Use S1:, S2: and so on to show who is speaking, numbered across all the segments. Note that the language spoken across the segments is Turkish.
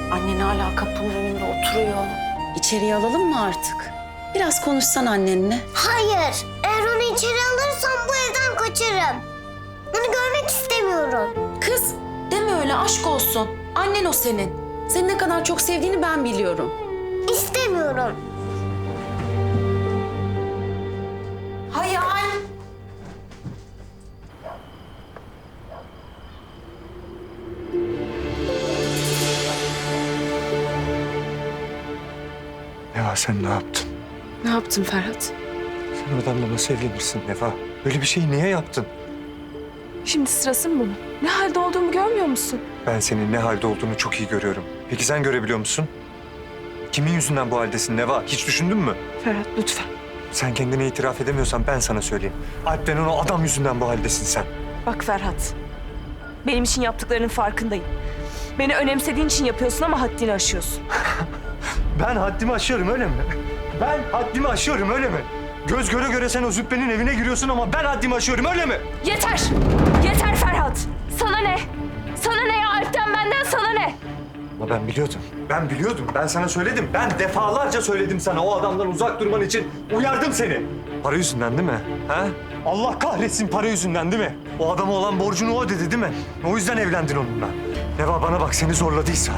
S1: Annen hala kapının önünde oturuyor.
S2: İçeriye alalım mı artık? Biraz konuşsan annenle.
S3: Hayır. Eğer onu içeri alırsam bu evden kaçarım. Onu görmek istemiyorum.
S2: Kız deme öyle, aşk olsun. Annen o senin. Seni ne kadar çok sevdiğini ben biliyorum.
S3: İstemiyorum.
S2: Hayal.
S4: Neva sen ne yaptın?
S2: Ne yaptın Ferhat?
S4: Sen o adamla nasıl evlenirsin Neva? Böyle bir şeyi niye yaptın?
S5: Şimdi sırası mı bunun? Ne halde olduğumu görmüyor musun?
S4: Ben senin ne halde olduğunu çok iyi görüyorum. Peki sen görebiliyor musun? Kimin yüzünden bu haldesin Neva? Hiç düşündün mü?
S5: Ferhat lütfen.
S4: Sen kendine itiraf edemiyorsan ben sana söyleyeyim. Alp denen o adam yüzünden bu haldesin sen.
S5: Bak Ferhat. Benim için yaptıklarının farkındayım. Beni önemsediğin için yapıyorsun ama haddini aşıyorsun.
S4: Ben haddimi aşıyorum öyle mi? Ben haddimi aşıyorum öyle mi? Göz göre göre sen o züppenin evine giriyorsun ama ben haddimi aşıyorum öyle mi?
S5: Yeter! Yeter Ferhat! Sana ne? Sana ne ya? Alp'ten benden sana ne?
S4: Ama ben biliyordum. Ben biliyordum. Ben sana söyledim. Ben defalarca söyledim sana o adamdan uzak durman için. Uyardım seni. Para yüzünden değil mi? Ha? Allah kahretsin para yüzünden değil mi? O adama olan borcunu o ödedi değil mi? O yüzden evlendin onunla. Neva bana bak seni zorladıysa.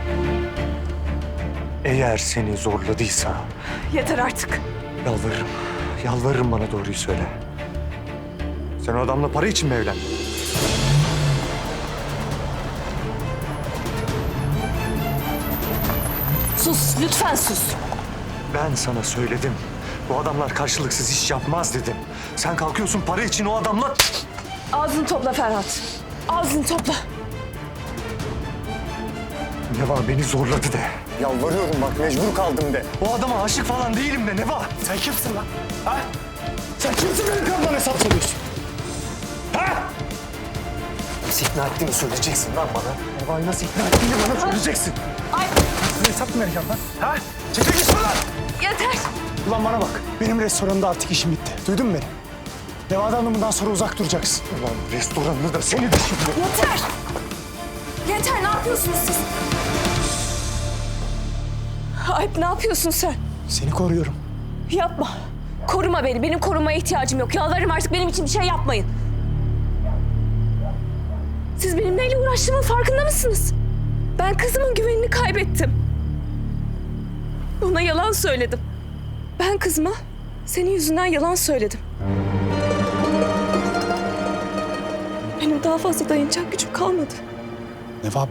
S4: Eğer seni zorladıysa
S5: Yeter artık.
S4: yalvarırım. Yalvarırım bana doğruyu söyle. Sen o adamla para için mi evlendin?
S5: Sus, lütfen sus.
S4: Ben sana söyledim. Bu adamlar karşılıksız iş yapmaz dedim. Sen kalkıyorsun para için o adamla...
S5: Ağzını topla Ferhat. Ağzını topla.
S4: Neva beni zorladı de. Yalvarıyorum bak mecbur kaldım de. O adama aşık falan değilim de Neva. Sen kimsin lan? Ha? Sen kimsin benim kanımdan hesap soruyorsun? Ha? Nasıl ikna ettiğini söyleyeceksin lan bana. Neva'yı nasıl ikna ettiğini bana söyleyeceksin.
S5: Ay
S4: Nasıl hesap mı vereceğim lan? Ha? Çekil git şuradan.
S5: yeter.
S6: Ulan bana bak. Benim restoranda artık işim bitti. Duydun mu beni? Neva'dan bundan sonra uzak duracaksın.
S4: Ulan restoranını da seni de şimdi.
S5: Yeter. Yeter, ne yapıyorsunuz siz? Alp ne yapıyorsun sen?
S6: Seni koruyorum.
S5: Yapma. Koruma beni. Benim korumaya ihtiyacım yok. Yalvarırım artık benim için bir şey yapmayın. Siz benim neyle uğraştığımın farkında mısınız? Ben kızımın güvenini kaybettim. Ona yalan söyledim. Ben kızıma senin yüzünden yalan söyledim. Benim daha fazla dayanacak gücüm kalmadı.
S6: Neva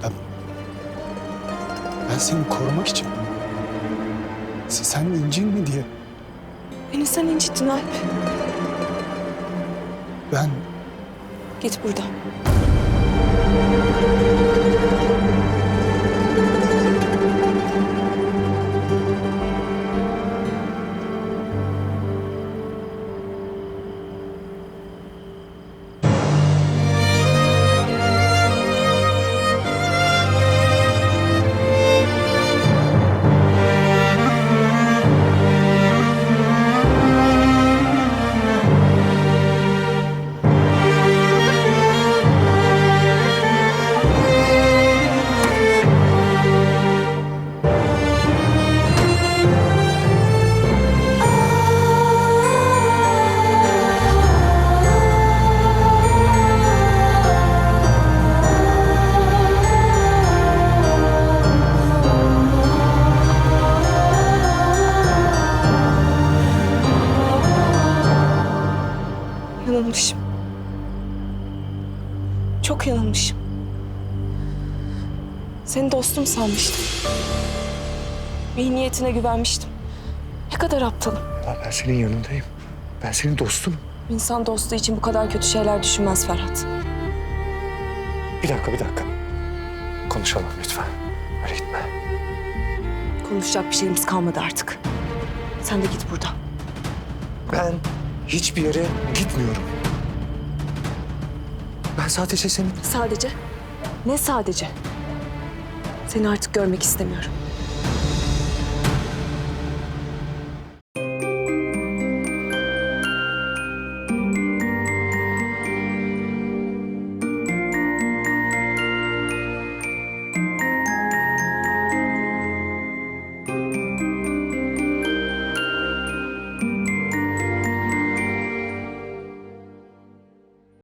S6: ben seni korumak için. Sen incinme diye.
S5: Beni sen incittin Alp.
S6: Ben
S5: Git buradan. Yanılmışım. Çok yanılmışım. Seni dostum sanmıştım. İyi niyetine güvenmiştim. Ne kadar aptalım.
S4: Ulan ben senin yanındayım. Ben senin dostunum.
S5: İnsan dostu için bu kadar kötü şeyler düşünmez Ferhat.
S4: Bir dakika. Konuşalım lütfen. Öyle gitme.
S5: Konuşacak bir şeyimiz kalmadı artık. Sen de git buradan.
S4: Ben hiçbir yere gitmiyorum. Ben sadece senin...
S5: Sadece? Ne sadece? Seni artık görmek istemiyorum.